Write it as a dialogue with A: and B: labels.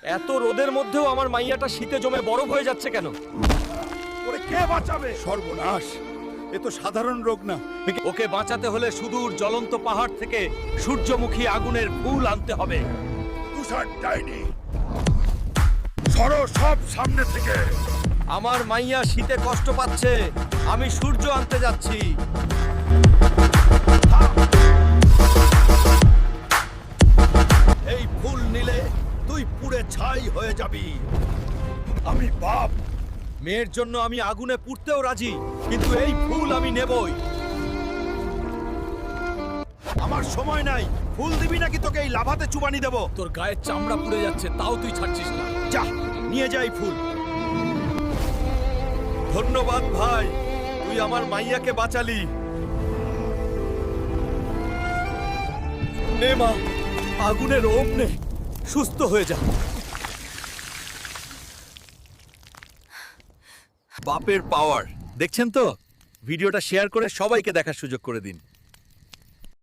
A: এত রোদের মধ্যেও আমার মাইয়াটা শীতে জমে বরফ হয়ে যাচ্ছে কেন?
B: ওরে কে বাঁচাবে? সর্বনাশ, এ তো সাধারণ রোগ না।
A: ওকে বাঁচাতে হলে সুদূর জ্বলন্ত পাহাড় থেকে সূর্যমুখী আগুনের ফুল আনতে হবে।
B: তুষার ডাইনি, সরো সব সামনে থেকে।
A: আমার মাইয়া শীতে কষ্ট পাচ্ছে, আমি সূর্য আনতে যাচ্ছি।
B: এই ফুল নিলে তুই পুড়ে ছাই হয়ে যাবি। আমি বাপ,
A: মেয়ের জন্য আমি আগুনে পুড়তেও রাজি, কিন্তু এই ফুল আমি নেবই।
B: আমার সময় নাই। ফুল দিবি নাকি তোকে এই লাভাতে চুবানি দেব?
A: তোর গায়ের চামড়া পুড়ে যাচ্ছে, তাও তুই ছাড়ছিস না।
B: যা নিয়ে যাই ফুল।
A: ধন্যবাদ ভাই, তুই আমার মাইয়াকে বাঁচালি। নে মা, আগুনের ওম নে, সুস্থ হয়ে যা। বাপের পাওয়ার দেখছেন তো? ভিডিওটা শেয়ার করে সবাইকে দেখার সুযোগ করে দিন।